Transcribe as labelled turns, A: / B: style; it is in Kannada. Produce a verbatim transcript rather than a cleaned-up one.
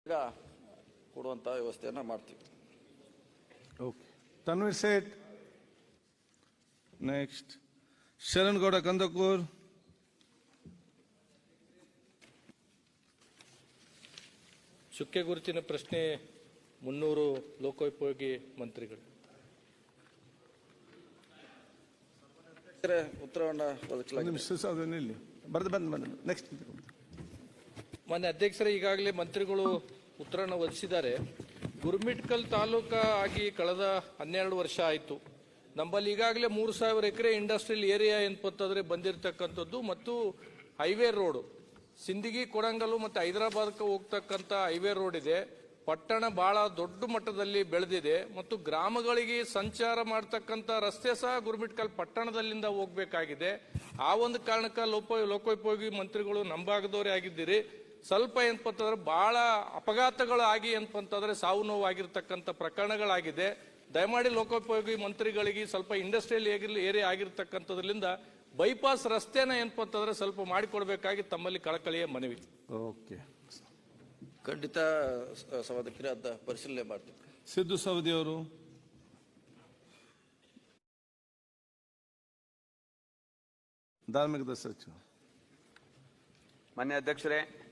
A: ಕೊಡುವಂತ ವ್ಯವಸ್ಥೆಯನ್ನ ಮಾಡ್ತೀವಿ.
B: ಓಕೆ, ತನ್ವೀರ್ ಸೇಠ್. ನೆಕ್ಸ್ಟ್ ಶರಣ್ಗೌಡ ಕಂದಕೂರ್.
C: ಚುಕ್ಕೆ ಗುರುತಿನ ಪ್ರಶ್ನೆ ಮುನ್ನೂರು ಲೋಕೋಪಯೋಗಿ ಮಂತ್ರಿಗಳು.
A: ಉತ್ತರವನ್ನ ಒದಗಿಸಲಾಗಿದೆ.
B: ಬರ್ದು ಬಂದು ಬಂದು ನೆಕ್ಸ್ಟ್.
C: ಮಾನ್ಯ ಅಧ್ಯಕ್ಷರೇ, ಈಗಾಗಲೇ ಮಂತ್ರಿಗಳು ಉತ್ತರವನ್ನು ಒದಗಿಸಿದ್ದಾರೆ. ಗುರುಮಿಟ್ಕಲ್ ತಾಲೂಕಾ ಆಗಿ ಕಳೆದ ಹನ್ನೆರಡು ವರ್ಷ ಆಯಿತು. ನಮ್ಮಲ್ಲಿ ಈಗಾಗಲೇ ಮೂರು ಸಾವಿರ ಎಕರೆ ಇಂಡಸ್ಟ್ರಿಯಲ್ ಏರಿಯಾ ಏನಪ್ಪಂತಂದ್ರೆ ಬಂದಿರತಕ್ಕಂಥದ್ದು ಮತ್ತು ಹೈವೇ ರೋಡ್ ಸಿಂದಗಿ ಕೊಡಂಗಲ್ಲು ಮತ್ತು ಹೈದರಾಬಾದ್ಗೆ ಹೋಗ್ತಕ್ಕಂಥ ಹೈವೇ ರೋಡ್ ಇದೆ. ಪಟ್ಟಣ ಬಹಳ ದೊಡ್ಡ ಮಟ್ಟದಲ್ಲಿ ಬೆಳೆದಿದೆ ಮತ್ತು ಗ್ರಾಮಗಳಿಗೆ ಸಂಚಾರ ಮಾಡ್ತಕ್ಕಂಥ ರಸ್ತೆ ಸಹ ಗುರುಮಿಟ್ಕಲ್ ಪಟ್ಟಣದಲ್ಲಿಂದ ಹೋಗ್ಬೇಕಾಗಿದೆ. ಆ ಒಂದು ಕಾರಣಕ್ಕೆ ಲೋಪ ಲೋಕೋಪಯೋಗಿ ಮಂತ್ರಿಗಳು ನಂಬಾಗದವರೇ ಆಗಿದ್ದೀರಿ. ಸ್ವಲ್ಪ ಏನಪ್ಪಂತಂದ್ರೆ ಬಹಳ ಅಪಘಾತಗಳು ಆಗಿ ಏನಪ್ಪಂತಂದ್ರೆ ಸಾವು ನೋವು ಆಗಿರ್ತಕ್ಕಂಥ ಪ್ರಕರಣಗಳಾಗಿದೆ. ದಯಮಾಡಿ ಲೋಕೋಪಯೋಗಿ ಮಂತ್ರಿಗಳಿಗೆ ಸ್ವಲ್ಪ ಇಂಡಸ್ಟ್ರಿಯಲ್ ಏರಿಯಾ ಆಗಿರ್ತಕ್ಕಂಥದ್ರಿಂದ ಬೈಪಾಸ್ ರಸ್ತೆನ ಏನಪ್ಪಂತಂದ್ರೆ ಸ್ವಲ್ಪ ಮಾಡಿಕೊಡ್ಬೇಕಾಗಿ ತಮ್ಮಲ್ಲಿ ಕಳಕಳಿಯ ಮನವಿ.
B: ಓಕೆ,
A: ಖಂಡಿತ ಸಭಾಧ್ಯಕ್ಷರೇ, ಅದ ಪರಿಶೀಲನೆ ಮಾಡ್ತೀವಿ.
B: ಸಿದ್ದು ಸವದಿ ಅವರು. ಧಾರ್ಮಿಕ ಸಚಿವ.
D: ಮಾನ್ಯ ಅಧ್ಯಕ್ಷರೇ,